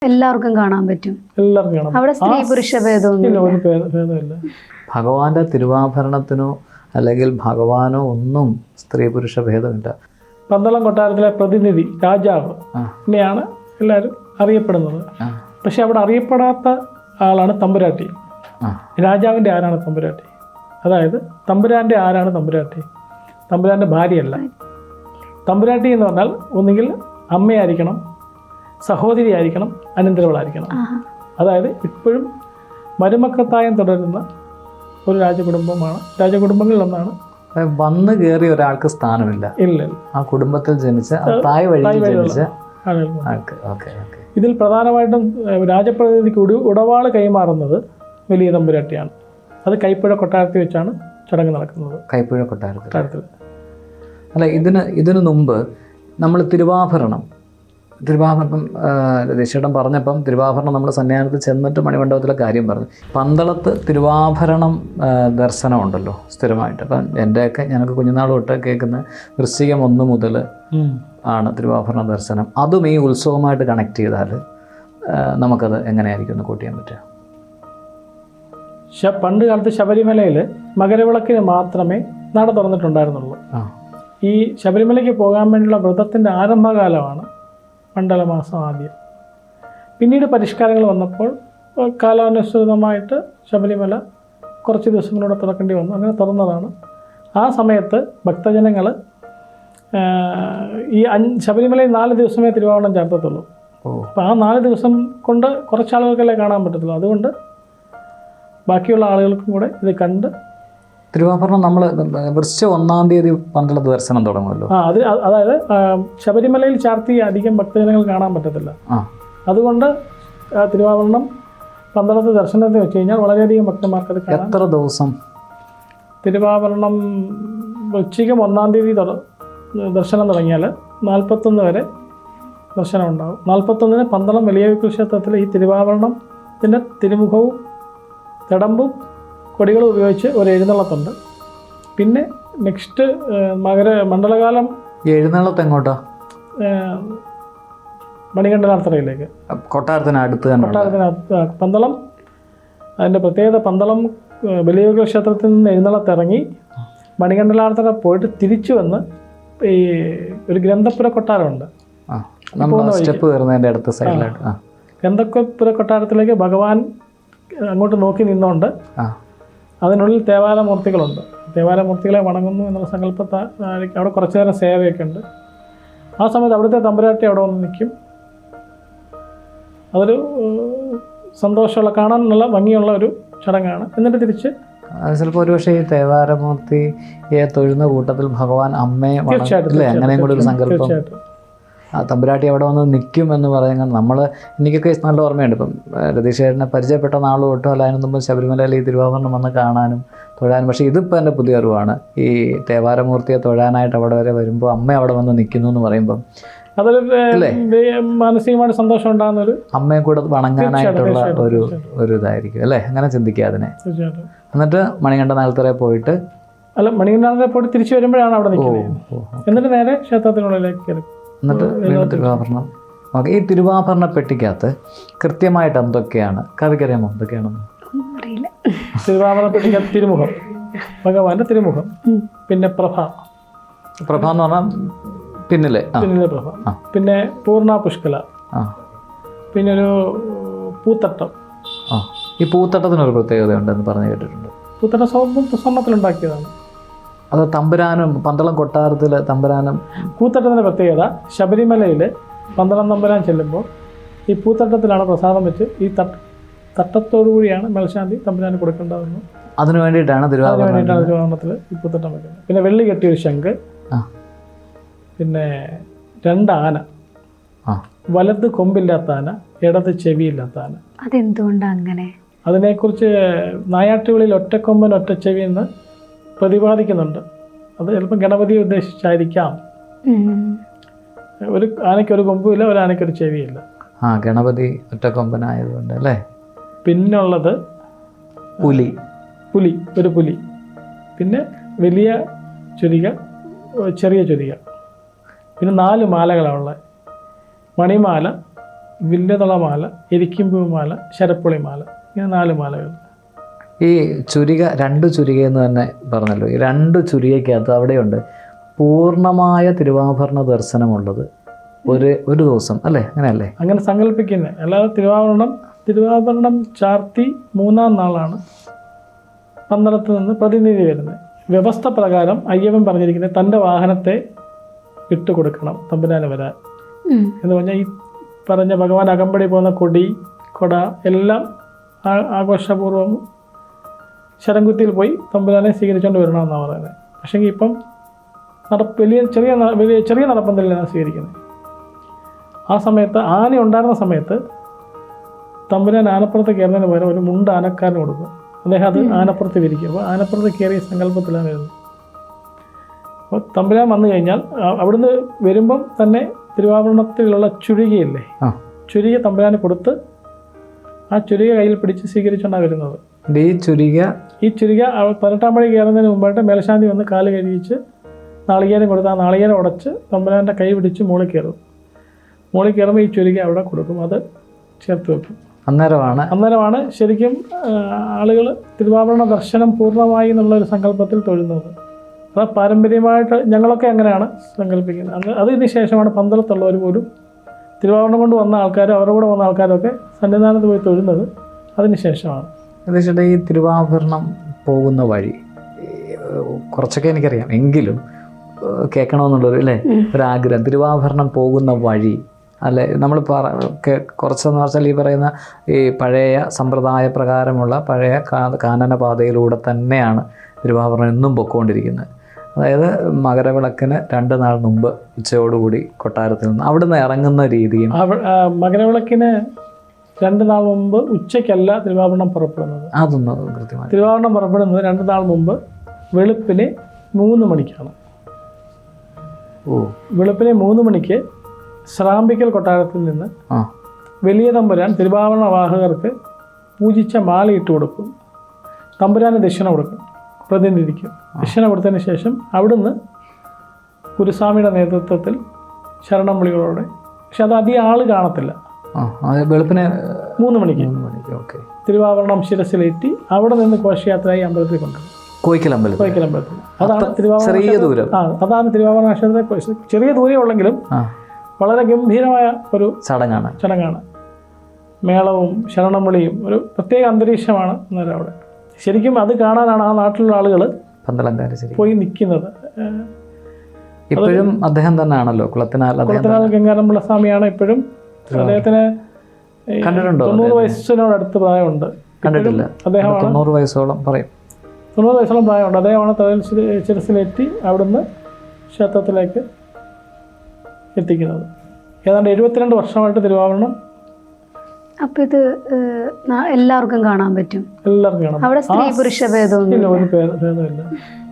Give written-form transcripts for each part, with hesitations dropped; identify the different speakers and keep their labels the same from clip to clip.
Speaker 1: എല്ലാവർക്കും കാണാൻ പറ്റും.
Speaker 2: എല്ലാവർക്കും കാണാം.
Speaker 1: അവിടെ സ്ത്രീ പുരുഷ
Speaker 2: ഭേദമില്ല.
Speaker 3: ഭഗവാന്റെ തിരുവാഭരണത്തിനോ അല്ലെങ്കിൽ ഭഗവാനോ ഒന്നും സ്ത്രീ പുരുഷ ഭേദമില്ല.
Speaker 2: പന്തളം കൊട്ടാരത്തിലെ പ്രതിനിധി രാജാവ് ഇങ്ങനെയാണ് എല്ലാവരും അറിയപ്പെടുന്നത്. പക്ഷെ അവിടെ അറിയപ്പെടാത്ത ആളാണ് തമ്പുരാട്ടി. രാജാവിൻ്റെ ആരാണ് തമ്പുരാട്ടി? അതായത് തമ്പുരാൻ്റെ ആരാണ് തമ്പുരാട്ടി? തമ്പുരാൻ്റെ ഭാര്യയല്ല. തമ്പുരാട്ടി എന്ന് പറഞ്ഞാൽ ഒന്നുകിൽ അമ്മയായിരിക്കണം, സഹോദരി ആയിരിക്കണം, അനന്തരവളായിരിക്കണം. അതായത് ഇപ്പോഴും മരുമക്കത്തായം തുടരുന്ന ഒരു രാജകുടുംബമാണ്, രാജകുടുംബങ്ങളിൽ ഒന്നാണ്.
Speaker 3: വന്ന് കയറിയ ഒരാൾക്ക് സ്ഥാനമില്ല.
Speaker 2: ഇല്ല,
Speaker 3: ആ കുടുംബത്തിൽ ജനിച്ച തായ് വഴി ജനിച്ച ആൾക്ക്.
Speaker 2: ഇതിൽ പ്രധാനമായിട്ടും രാജപ്രതിനിധിക്ക് ഉടവാള് കൈമാറുന്നത് വലിയ തമ്പുരാട്ടിയാണ്. അത് കൈപ്പുഴ കൊട്ടാരത്തിൽ വെച്ചാണ് ചടങ്ങ് നടക്കുന്നത്.
Speaker 3: കൈപ്പുഴ കൊട്ടാരത്തിൽ. അല്ല, ഇതിനു മുമ്പ് നമ്മൾ തിരുവാഭരണം രതീഷേട്ടൻ പറഞ്ഞപ്പം തിരുവാഭരണം നമ്മൾ സന്യാസത്തിൽ ചെന്നിട്ട് മണിമണ്ഡപത്തിലെ കാര്യം പറഞ്ഞു. പന്തളത്ത് തിരുവാഭരണം ദർശനമുണ്ടല്ലോ സ്ഥിരമായിട്ട്. അപ്പം എൻ്റെയൊക്കെ ഞങ്ങൾക്ക് കുഞ്ഞുനാൾ തൊട്ട് കേൾക്കുന്ന വൃശ്ചികം 1 മുതൽ ആണ് തിരുവാഭരണ ദർശനം. അതും ഈ ഉത്സവമായിട്ട് കണക്ട് ചെയ്താൽ നമുക്കത് എങ്ങനെയായിരിക്കും ഒന്ന് കൂട്ടിയാൻ പറ്റുക?
Speaker 2: പണ്ട് കാലത്ത് ശബരിമലയിൽ മകരവിളക്കിന് മാത്രമേ നട തുറന്നിട്ടുണ്ടായിരുന്നുള്ളൂ. ഈ ശബരിമലയ്ക്ക് പോകാൻ വേണ്ടിയുള്ള വ്രതത്തിൻ്റെ ആരംഭകാലമാണ് മണ്ഡലമാസം ആദ്യം. പിന്നീട് പരിഷ്കാരങ്ങൾ വന്നപ്പോൾ കാലാനുസൃതമായിട്ട് ശബരിമല കുറച്ച് ദിവസങ്ങളിലൂടെ തുറക്കേണ്ടി വന്നു. അങ്ങനെ തുറന്നതാണ്. ആ സമയത്ത് ഭക്തജനങ്ങൾ ഈ ശബരിമലയിൽ 4 ദിവസമേ തിരുവാഭരണം ചേർത്തത്തുള്ളൂ. അപ്പോൾ ആ 4 ദിവസം കൊണ്ട് കുറച്ചാളുകൾക്കല്ലേ കാണാൻ പറ്റത്തുള്ളൂ. അതുകൊണ്ട് ബാക്കിയുള്ള ആളുകൾക്കും കൂടെ ഇത് കണ്ട്
Speaker 3: തിരുവാഭരണം നമ്മൾ വൃശ്ചിക 1-ാം തീയതി പന്തളത്ത് ദർശനം തുടങ്ങുമല്ലോ.
Speaker 2: അതായത് ശബരിമലയിൽ ചാർത്തി അധികം ഭക്തജനങ്ങൾ കാണാൻ പറ്റത്തില്ല. അതുകൊണ്ട് തിരുവാഭരണം പന്തളത്ത് ദർശനത്തിൽ വെച്ച് കഴിഞ്ഞാൽ വളരെയധികം ഭക്തന്മാർക്ക് അത് കാണാം.
Speaker 3: എത്ര ദിവസം തിരുവാഭരണം?
Speaker 2: വൃശ്ചികം 1-ാം തീയതി ദർശനം തുടങ്ങിയാൽ 41 വരെ ദർശനം ഉണ്ടാകും. 41-ന് പന്തളം വലിയ ക്ഷേത്രത്തിൽ ഈ തിരുവാഭരണത്തിൻ്റെ തിരുമുഖവും തിടമ്പും കൊടികളും ഉപയോഗിച്ച് ഒരു എഴുന്നള്ളത്തുണ്ട്. പിന്നെ നെക്സ്റ്റ് മണ്ഡലകാലം
Speaker 3: എഴുന്നള്ളത്ത് എങ്ങോട്ടാ?
Speaker 2: മണികണ്ഠനാർത്തറയിലേക്ക്,
Speaker 3: കൊട്ടാരത്തിനടുത്ത്.
Speaker 2: പന്തളം അതിൻ്റെ പ്രത്യേകത, പന്തളം വലിയ ക്ഷേത്രത്തിൽ നിന്ന് എഴുന്നള്ളത്തിറങ്ങി മണികണ്ഠനാർത്തറ പോയിട്ട് തിരിച്ചു വന്ന് ഈ ഒരു ഗ്രന്ഥപുര കൊട്ടാരമുണ്ട്.
Speaker 3: സ്റ്റെപ്പ് കയറുന്നതിൻ്റെ അടുത്ത സൈഡിലായിട്ട്
Speaker 2: ഗ്രന്ഥപുര കൊട്ടാരത്തിലേക്ക് ഭഗവാൻ അങ്ങോട്ട് നോക്കി നിന്നുകൊണ്ട് അതിനുള്ളിൽ തേവാരമൂർത്തികളുണ്ട്. തേവാരമൂർത്തികളെ വണങ്ങുന്നു എന്നുള്ള സങ്കല്പത്തെ അവിടെ കുറച്ചു നേരം സേവയൊക്കെ ഉണ്ട്. ആ സമയത്ത് അവിടുത്തെ തമ്പുരാട്ടി അവിടെ വന്ന് നിൽക്കും. അതൊരു സന്തോഷമുള്ള, കാണാൻ നല്ല ഭംഗിയുള്ള ഒരു ചടങ്ങാണ്. എന്നിട്ട് തിരിച്ച്
Speaker 3: ചിലപ്പോൾ ഒരുപക്ഷെ ഈ തേവാരമൂർത്തിയെ തൊഴുന്ന കൂട്ടത്തിൽ ഭഗവാൻ അമ്മയെ അങ്ങനെയും കൂടെ ഒരു സങ്കല്പം. തമ്പുരാട്ടി അവിടെ വന്ന് നിൽക്കും എന്ന് പറയുന്നത് എനിക്കൊക്കെ നല്ല ഓർമ്മയുണ്ട്. ഇപ്പം രതീഷേട്ടനെ പരിചയപ്പെട്ട നാൾ തൊട്ടോ അല്ല അതിന് മുമ്പ് ശബരിമലയിൽ ഈ തിരുവാഭരണം വന്ന് കാണാനും തൊഴാനും. പക്ഷേ ഇതിപ്പോൾ എൻ്റെ പുതിയ അറിവാണ്. ഈ തേവാരമൂർത്തിയെ തൊഴാനായിട്ട് അവിടെ വരെ വരുമ്പോൾ അമ്മ അവിടെ വന്ന് നിൽക്കുന്നു എന്ന് പറയുമ്പം
Speaker 2: അതൊരു മാനസികമായിട്ട് സന്തോഷം ഉണ്ടാകുന്നൊരു,
Speaker 3: അമ്മയെ കൂടെ വണങ്ങാനായിട്ടുള്ള ഒരു ഇതായിരിക്കും അല്ലേ? അങ്ങനെ ചിന്തിക്കുക അതിനെ. എന്നിട്ട് മണികണ്ഠനാർത്തറയിൽ പോയിട്ട്
Speaker 2: മണികണ്ഠനാർത്തറയിൽ പോയിട്ട് തിരിച്ചു വരുമ്പോഴാണ് അവിടെ നിൽക്കുന്നത്. എന്നിട്ട് നേരെ ക്ഷേത്രത്തിനുള്ളിലേക്ക് കയറും.
Speaker 3: എന്നിട്ട് തിരുവാഭരണം. ഈ തിരുവാഭരണ പെട്ടിക്കകത്ത് കൃത്യമായിട്ട് എന്തൊക്കെയാണ്? കവിക്കറിയാമോ എന്തൊക്കെയാണെന്ന്?
Speaker 2: തിരുവാഭരണ പെട്ടിക്കകത്ത് തിരുമുഖം, ഭഗവാന്റെ തിരുമുഖം, പിന്നെ പ്രഭ
Speaker 3: എന്ന് പറഞ്ഞാൽ പിന്നിലെ
Speaker 2: പ്രഭ, പിന്നെ പൂർണ്ണ പുഷ്കല, പിന്നെ ഒരു പൂത്തട്ടം.
Speaker 3: ഈ പൂത്തട്ടത്തിനൊരു പ്രത്യേകത ഉണ്ടെന്ന് പറഞ്ഞു കേട്ടിട്ടുണ്ട്.
Speaker 2: പൂത്തട്ടം സ്വർണ്ണത്തിലുണ്ടാക്കിയതാണ്.
Speaker 3: അത് തമ്പുരാനും പന്തളം കൊട്ടാരത്തിൽ തമ്പുരാനും.
Speaker 2: പൂത്തട്ടത്തിൻ്റെ പ്രത്യേകത, ശബരിമലയിൽ പന്തളം തമ്പുരാൻ ചെല്ലുമ്പോൾ ഈ പൂത്തട്ടത്തിലാണ് പ്രസാദം വെച്ച് ഈ തട്ടത്തോടു കൂടിയാണ് മേൽശാന്തി തമ്പുരാന് കൊടുക്കേണ്ടതെന്ന്.
Speaker 3: അതിനു വേണ്ടിയിട്ടാണ്
Speaker 2: തിരുവാഭരണത്തിൽ ഈ പൂത്തട്ടം വെക്കുന്നത്. പിന്നെ വെള്ളി കെട്ടിയൊരു ശംഖ്, പിന്നെ 2 ആന, വലത് കൊമ്പില്ലാത്ത ആന, ഇടത് ചെവിയില്ലാത്ത ആന.
Speaker 1: അതെന്തുകൊണ്ടാണ് അങ്ങനെ?
Speaker 2: അതിനെക്കുറിച്ച് നായാട്ടുകളിൽ ഒറ്റക്കൊമ്പൻ ഒറ്റച്ചെവി എന്ന് പ്രതിപാദിക്കുന്നുണ്ട്. അത് ചിലപ്പോൾ ഗണപതിയെ ഉദ്ദേശിച്ചായിരിക്കാം. ഒരു ആനയ്ക്കൊരു കൊമ്പുമില്ല, ഒരു ആനയ്ക്കൊരു ചെവിയില്ല.
Speaker 3: ഗണപതി ഒറ്റക്കൊമ്പനായതുകൊണ്ട് അല്ലേ.
Speaker 2: പിന്നുള്ളത് പുലി, ഒരു പുലി, പിന്നെ വലിയ ചുരിക, ചെറിയ ചുരിക, പിന്നെ 4 മാലകളാണ് ഉള്ളത്. മണിമാല, വില്ലുതളമാല, എരിക്കിമ്പൂമാല, ശരപ്പുളിമാല, ഇങ്ങനെ 4 മാലകൾ.
Speaker 3: ഈ ചുരിക, 2 ചുരിക എന്ന് തന്നെ പറഞ്ഞല്ലോ. ഈ 2 ചുരികയ്ക്കകത്ത് അവിടെയുണ്ട് പൂർണ്ണമായ തിരുവാഭരണ ദർശനമുള്ളത് ഒരു ദിവസം അല്ലേ? അങ്ങനെയല്ലേ?
Speaker 2: അങ്ങനെ സങ്കല്പിക്കുന്നത്. അല്ലാതെ തിരുവാഭരണം ചാർത്തി 3-ാം നാളാണ് പന്തളത്ത് നിന്ന് പ്രതിനിധി വരുന്നത്. വ്യവസ്ഥ പ്രകാരം അയ്യപ്പൻ പറഞ്ഞിരിക്കുന്നത് തൻ്റെ വാഹനത്തെ വിട്ടുകൊടുക്കണം തമ്പുരാന് വരാൻ എന്ന് പറഞ്ഞാൽ ഈ പറഞ്ഞ ഭഗവാൻ അകമ്പടി പോകുന്ന കൊട എല്ലാം ആഘോഷപൂർവ്വം ശരംകുത്തിയിൽ പോയി തമ്പുരാനെ സ്വീകരിച്ചുകൊണ്ട് വരണമെന്നാണ് പറയുന്നത്. പക്ഷേ ഇപ്പം ചെറിയ നടപ്പന്തലിലാണ് സ്വീകരിക്കുന്നത്. ആ സമയത്ത് ആന ഉണ്ടായിരുന്ന സമയത്ത് തമ്പുരാൻ ആനപ്പുറത്ത് കയറുന്നതിന് പകരം ഒരു മുണ്ട് ആനക്കാരന് കൊടുക്കും. അദ്ദേഹം അത് ആനപ്പുറത്ത് വിരിക്കും. അപ്പോൾ ആനപ്പുറത്ത് കയറിയ സങ്കല്പത്തിലാണ് വരുന്നത്. അപ്പോൾ തമ്പുരാൻ വന്നു കഴിഞ്ഞാൽ അവിടുന്ന് വരുമ്പം തന്നെ തിരുവാഭരണത്തിലുള്ള ചുരികയില്ലേ, ചുരിക തമ്പുരാന് കൊടുത്ത് ആ ചുരിക കയ്യിൽ പിടിച്ച് സ്വീകരിച്ചുകൊണ്ടാണ് വരുന്നത്.
Speaker 3: ഈ ചുരിക
Speaker 2: 18-ാം പടി കയറുന്നതിന് മുമ്പായിട്ട് മേൽശാന്തി വന്ന് കാല് കഴിച്ച് നാളികേരം കൊടുത്ത് ആ നാളികേരം ഉടച്ച് തമ്പുരാൻ്റെ കൈ പിടിച്ച് മുകളിൽ കയറുമ്പോൾ ഈ ചുരിക അവിടെ കൊടുക്കും. അത് ചേർത്ത് വെക്കും. അന്നേരമാണ് ശരിക്കും ആളുകൾ തിരുവാഭരണ ദർശനം പൂർണ്ണമായി എന്നുള്ളൊരു സങ്കല്പത്തിൽ തൊഴുന്നത്. അത് പാരമ്പര്യമായിട്ട് ഞങ്ങളൊക്കെ അങ്ങനെയാണ് സങ്കല്പിക്കുന്നത്. അതിന് ശേഷമാണ് പന്തളത്തുള്ളവർ പോലും തിരുവാഭരണം കൊണ്ട് വന്ന ആൾക്കാരും അവരുടെ കൂടെ വന്ന ആൾക്കാരൊക്കെ സന്നിധാനത്ത് പോയി തൊഴുന്നത് അതിന് ശേഷമാണ്.
Speaker 3: ഏകദേശം ഈ തിരുവാഭരണം പോകുന്ന വഴി കുറച്ചൊക്കെ എനിക്കറിയാം, എങ്കിലും കേൾക്കണമെന്നുള്ളൊരു അല്ലേ ഒരാഗ്രഹം. തിരുവാഭരണം പോകുന്ന വഴി അല്ലെ, നമ്മൾ കുറച്ചെന്ന് വെച്ചാൽ ഈ പറയുന്ന ഈ പഴയ സമ്പ്രദായ പ്രകാരമുള്ള പഴയ കാനനപാതയിലൂടെ തന്നെയാണ് തിരുവാഭരണം എന്നും പൊയ്ക്കൊണ്ടിരിക്കുന്നത്. അതായത് മകരവിളക്കിന് 2 നാൾ മുമ്പ് ഉച്ചയോടുകൂടി കൊട്ടാരത്തിൽ നിന്ന് അവിടുന്ന് ഇറങ്ങുന്ന രീതിയും.
Speaker 2: മകരവിളക്കിന് 2 നാൾ മുമ്പ് ഉച്ചയ്ക്കല്ല തിരുവാഭരണം പുറപ്പെടുന്നത്.
Speaker 3: അതൊന്നും കൃത്യമായി
Speaker 2: തിരുവാഭരണം പുറപ്പെടുന്നത് 2 നാൾ മുമ്പ് വെളുപ്പിന് 3 മണിക്കാണ്. വെളുപ്പിന് 3 മണിക്ക് ശ്രാമ്പിക്കൽ കൊട്ടാരത്തിൽ നിന്ന് വലിയ തമ്പുരാൻ തിരുവാഭരണ വാഹകർക്ക് പൂജിച്ച മാല ഇട്ട് കൊടുക്കും. തമ്പുരാന് ദക്ഷിണ കൊടുക്കും, പ്രതിനിധിക്കും ദക്ഷിണ കൊടുത്തതിന് ശേഷം അവിടുന്ന് ഗുരുസ്വാമിയുടെ നേതൃത്വത്തിൽ ശരണം വിളികളോടെ, പക്ഷെ അത് അധികം ആൾ കാണത്തില്ല,
Speaker 3: വെളുപ്പിന്
Speaker 2: 3 മണിക്ക് തിരുവാഭരണം ശിരസിലേറ്റി അവിടെ നിന്ന് ഘോഷയാത്രയായി അമ്പലത്തിൽ കൊണ്ടുവരും.
Speaker 3: കോയിക്കൽ അമ്പലത്തിൽ.
Speaker 2: അതാണ് തിരുവാഭരണ ക്ഷേത്രത്തെ ചെറിയ ദൂരേ ഉള്ളെങ്കിലും വളരെ ഗംഭീരമായ ഒരു ചടങ്ങാണ്. മേളവും ശരണം വിളിയും ഒരു പ്രത്യേക അന്തരീക്ഷമാണ് അന്നേരം അവിടെ. ശരിക്കും അത് കാണാനാണ് ആ നാട്ടിലുള്ള ആളുകൾ പോയി നിൽക്കുന്നത്.
Speaker 3: ഇപ്പോഴും അദ്ദേഹം തന്നെയാണല്ലോ കുളത്തിനാൽ
Speaker 2: ഗംഗാരംപിള്ള സ്വാമിയാണ് ഇപ്പോഴും. അദ്ദേഹത്തിന് 90 വയസ്സിനോടടുത്ത് പ്രായമുണ്ട്.
Speaker 3: കണ്ടിട്ടില്ല. അദ്ദേഹമാണ് 90 വയസ്സോളം പറയും.
Speaker 2: 90 വയസ്സോളം പ്രായമുണ്ട്. അദ്ദേഹമാണ് തലയിൽ ശിരസിലേറ്റി അവിടുന്ന് ക്ഷേത്രത്തിലേക്ക് എത്തിക്കുന്നത്. ഏതാണ്ട് 72 വർഷമായിട്ട് തിരുവാഭരണം.
Speaker 1: അപ്പോൾ ഇത് എല്ലാവർക്കും കാണാൻ പറ്റും.
Speaker 2: എല്ലാവർക്കും കാണാം.
Speaker 1: അവിടെ സ്ത്രീ പുരുഷ ഭേദമൊന്നുമില്ല.
Speaker 2: ഒരു ഭേദമില്ല.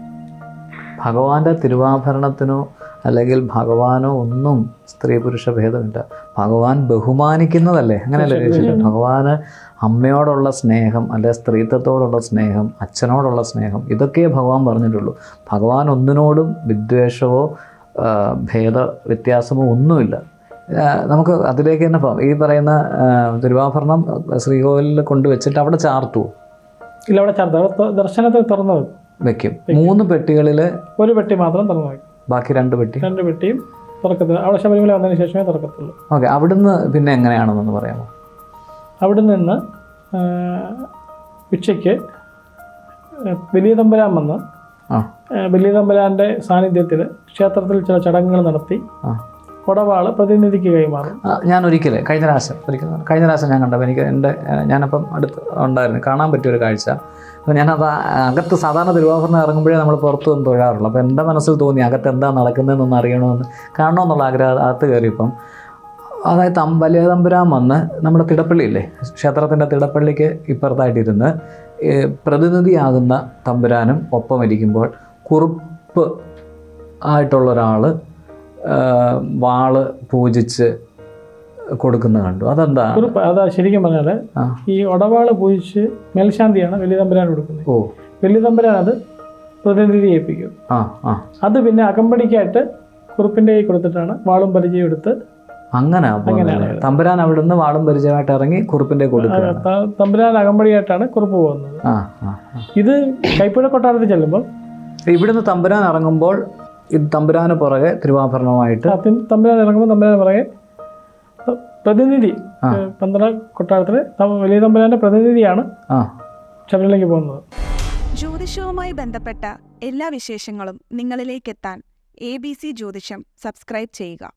Speaker 3: ഭഗവാന്റെ തിരുവാഭരണത്തിനോ അല്ലെങ്കിൽ ഭഗവാനോ ഒന്നും സ്ത്രീ പുരുഷ ഭേദമില്ല. ഭഗവാൻ ബഹുമാനിക്കുന്നതല്ലേ, അങ്ങനെയല്ലേ? ഭഗവാന് അമ്മയോടുള്ള സ്നേഹം, അല്ലെ സ്ത്രീത്വത്തോടുള്ള സ്നേഹം, അച്ഛനോടുള്ള സ്നേഹം, ഇതൊക്കെ ഭഗവാൻ പറഞ്ഞിട്ടുള്ളൂ. ഭഗവാൻ ഒന്നിനോടും വിദ്വേഷമോ ഭേദ വ്യത്യാസമോ ഒന്നുമില്ല. നമുക്ക് അതിലേക്ക് തന്നെ പോകാം. ഈ പറയുന്ന തിരുവാഭരണം ശ്രീകോവിലിൽ കൊണ്ടുവച്ചിട്ട് അവിടെ ചാർത്തുവോ?
Speaker 2: ഇല്ല, അവിടെ ചാർത്തും. അവിടെ ദർശനത്തിൽ തുറന്നു
Speaker 3: വെക്കും. 3 പെട്ടികളിൽ
Speaker 2: ഒരു പെട്ടി മാത്രം തുറന്നു വയ്ക്കും.
Speaker 3: ബാക്കി 2
Speaker 2: പെട്ടിയും തുറക്കത്തില്ല. അവിടെ ശബരിമല വന്നതിന് ശേഷമേ തുറക്കത്തുള്ളൂ.
Speaker 3: ഓക്കെ. അവിടുന്ന് പിന്നെ എങ്ങനെയാണെന്നൊന്ന് പറയാമോ?
Speaker 2: അവിടെ നിന്ന് ഉച്ചയ്ക്ക് വലിയ തമ്പുരാൻ വന്ന് വലിയ തമ്പുരാൻ്റെ സാന്നിധ്യത്തിൽ ക്ഷേത്രത്തിൽ ചില ചടങ്ങുകൾ നടത്തി കൊടവാള് പ്രതിനിധിക്ക് കൈമാറും.
Speaker 3: ഞാൻ കഴിഞ്ഞ പ്രാവശ്യം ഞാൻ കണ്ടപ്പോൾ ഞാനപ്പം അടുത്ത് ഉണ്ടായിരുന്നു, കാണാൻ പറ്റിയൊരു കാഴ്ച. അപ്പോൾ ഞാനത് അകത്ത് സാധാരണ തിരുവാഭരണം ഇറങ്ങുമ്പോഴേ നമ്മൾ പുറത്തു നിന്ന് തൊഴാറുള്ളൂ. അപ്പോൾ എൻ്റെ മനസ്സിൽ തോന്നി അകത്ത് എന്താ നടക്കുന്നതെന്നൊന്ന് അറിയണമെന്ന്, കാണണമെന്നുള്ള ആഗ്രഹം. അകത്ത് കയറിയപ്പം അതായത് വലിയ തമ്പുരാൻ വന്ന് നമ്മുടെ തിടപ്പള്ളിയില്ലേ, ക്ഷേത്രത്തിൻ്റെ തിടപ്പള്ളിക്ക് ഇപ്പുറത്തായിട്ടിരുന്ന് പ്രതിനിധിയാകുന്ന തമ്പുരാനും ഒപ്പം ഇരിക്കുമ്പോൾ കുറുപ്പ് ആയിട്ടുള്ള ഒരാൾ വാള് പൂജിച്ച് കൊടുക്കുന്ന കണ്ടു.
Speaker 2: അതാ ശരിക്കും പറഞ്ഞാൽ ഈ ഒടവാള് പൂജിച്ച് മേൽശാന്തിയാണ് വലിയ തമ്പുരാൻ കൊടുക്കുന്നത്. വലിയ തമ്പുരാൻ അത് പ്രതിനിധി ഏൽപ്പിക്കും. അത് പിന്നെ അകമ്പടിക്കായിട്ട് കുറുപ്പിൻ്റെ കൈ കൊടുത്തിട്ടാണ് വാളും പരിചയം എടുത്ത്
Speaker 3: അങ്ങനെ തമ്പുരാൻ അവിടുന്ന് വാളും പരിചയമായിട്ട് ഇറങ്ങി കുറുപ്പിന്റെ കൊടുക്കുക.
Speaker 2: തമ്പുരാൻ അകമ്പടിയായിട്ടാണ് കുറുപ്പ് പോകുന്നത്. ഇത് കൈപ്പുഴ കൊട്ടാരത്തിൽ ചെല്ലുമ്പോൾ
Speaker 3: ഇവിടുന്ന് തമ്പുരാൻ ഇറങ്ങുമ്പോൾ ഇത് തമ്പുരാന് പുറകെ തിരുവാഭരണമായിട്ട്
Speaker 2: തമ്പുരാൻ ഇറങ്ങുമ്പോൾ തമ്പുരാന് പുറകെ പ്രതിനിധി പന്തള കൊട്ടാരത്തിലെ വലിയ തമ്പുരാന്റെ പ്രതിനിധിയാണ് ശബരിമലയ്ക്ക് പോകുന്നത്.
Speaker 4: ജ്യോതിഷവുമായി ബന്ധപ്പെട്ട എല്ലാ വിശേഷങ്ങളും നിങ്ങളിലേക്കെത്താൻ ABC ജ്യോതിഷം സബ്സ്ക്രൈബ് ചെയ്യുക.